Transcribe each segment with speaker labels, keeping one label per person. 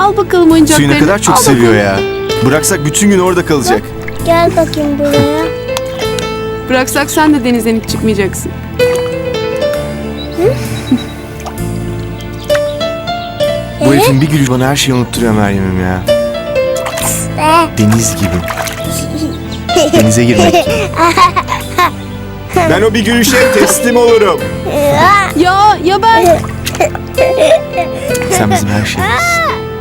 Speaker 1: Al bakalım oyuncaklarını.
Speaker 2: Suyu ne kadar çok
Speaker 1: Al
Speaker 2: seviyor
Speaker 1: bakalım.
Speaker 2: ya. Bıraksak bütün gün orada kalacak.
Speaker 3: Gel bakayım buraya.
Speaker 1: Bıraksak sen de denizden hiç çıkmayacaksın.
Speaker 2: Bu herifin bir gülü bana her şeyi unutturuyor Meryem'im ya. Deniz gibi. Denize girmek gibi. Ben o bir gülüşe teslim olurum.
Speaker 1: Ya ben...
Speaker 2: Sen bizim her şeyimiz.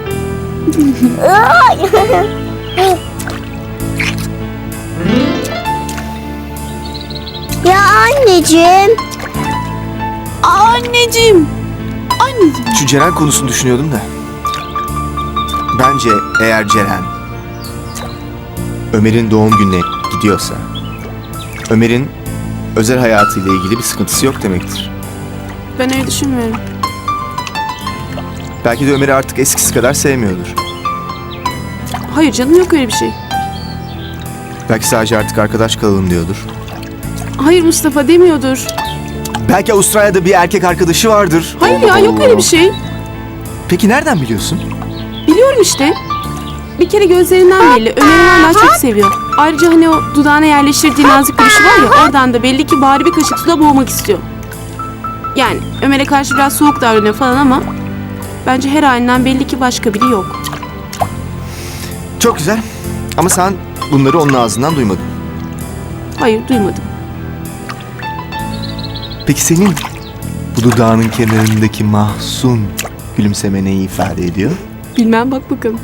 Speaker 3: Ya anneciğim.
Speaker 1: Anneciğim. Anneciğim.
Speaker 2: Şu Ceren konusunu düşünüyordum da. Bence eğer Ceren Ömer'in doğum gününe gidiyorsa Ömer'in özel hayatıyla ilgili bir sıkıntısı yok demektir.
Speaker 1: Ben öyle düşünmüyorum.
Speaker 2: Belki de Ömer'i artık eskisi kadar sevmiyordur.
Speaker 1: Hayır canım, yok öyle bir şey.
Speaker 2: Belki sadece artık arkadaş kalalım diyordur.
Speaker 1: Hayır Mustafa, demiyordur.
Speaker 2: Belki Avustralya'da bir erkek arkadaşı vardır.
Speaker 1: Hayır ya, yok öyle bir şey.
Speaker 2: Peki nereden biliyorsun?
Speaker 1: Biliyorum işte. Bir kere gözlerinden belli. Ömer'i hala çok seviyor. Ayrıca hani o dudağına yerleştirdiği nazik gülüşü var ya, oradan da belli ki bari bir kaşık suda boğmak istiyor. Yani Ömer'e karşı biraz soğuk davranıyor falan ama bence her halinden belli ki başka biri yok.
Speaker 2: Çok güzel. Ama sen bunları onun ağzından duymadın.
Speaker 1: Hayır, duymadım.
Speaker 2: Peki senin bu dudağının kenarındaki mahzun gülümseme neyi ifade ediyor?
Speaker 1: Bilmem, bak bakalım.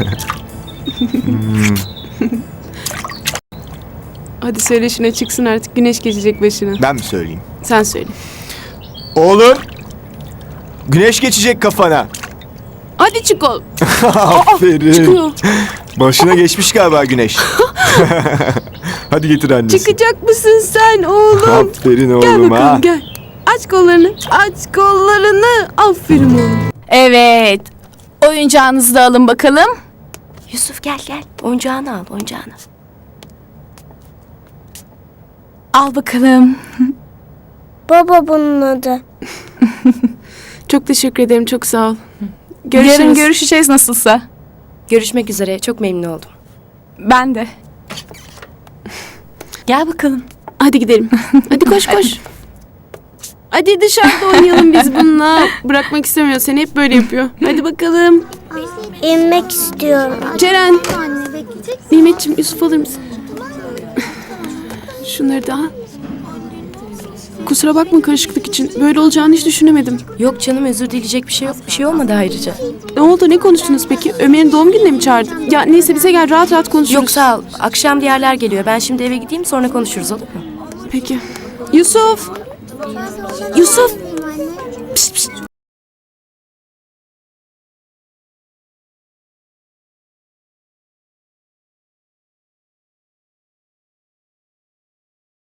Speaker 1: Hadi söyle şuna, çıksın artık, güneş geçecek başına.
Speaker 2: Ben mi söyleyeyim?
Speaker 1: Sen söyle.
Speaker 2: Oğlum, güneş geçecek kafana.
Speaker 1: Hadi çık ol.
Speaker 2: Aferin.
Speaker 1: Çıkıyor.
Speaker 2: Başına geçmiş galiba güneş. Hadi getir annesi.
Speaker 1: Çıkacak mısın sen oğlum?
Speaker 2: Aferin
Speaker 1: Gel
Speaker 2: oğlum
Speaker 1: bakalım,
Speaker 2: ha.
Speaker 1: gel. Aç kollarını, aç kollarını. Aferin oğlum.
Speaker 4: Evet. Oyuncağınızı da alın bakalım.
Speaker 5: Yusuf gel gel. Oyuncağını al, oyuncağını.
Speaker 4: Al bakalım.
Speaker 3: Baba bunun adı.
Speaker 1: Çok teşekkür ederim, çok sağ ol. Görüşürüz.
Speaker 4: Yarın görüşeceğiz nasılsa.
Speaker 5: Görüşmek üzere. Çok memnun oldum.
Speaker 4: Ben de. Gel bakalım.
Speaker 1: Hadi gidelim. Hadi koş koş. Hadi dışarıda oynayalım biz bununla. Bırakmak istemiyor seni, hep böyle yapıyor. Hadi bakalım.
Speaker 3: İnmek istiyorum.
Speaker 1: Ceren. Nimetciğim, Yusuf alır mısın? Şunları da al. Kusura bakma karışıklık için. Böyle olacağını hiç düşünemedim.
Speaker 5: Yok canım, özür dileyecek bir şey yok. Bir şey olmadı ayrıca.
Speaker 1: Ne oldu, ne konuştunuz peki? Ömer'in doğum gününe mi çağırdı? Ya neyse, bize gel, rahat rahat konuşuruz.
Speaker 5: Yok sağ ol. Akşam diğerler geliyor. Ben şimdi eve gideyim, sonra konuşuruz, olur mu?
Speaker 1: Peki. Yusuf. Yusuf. Pişt, pişt.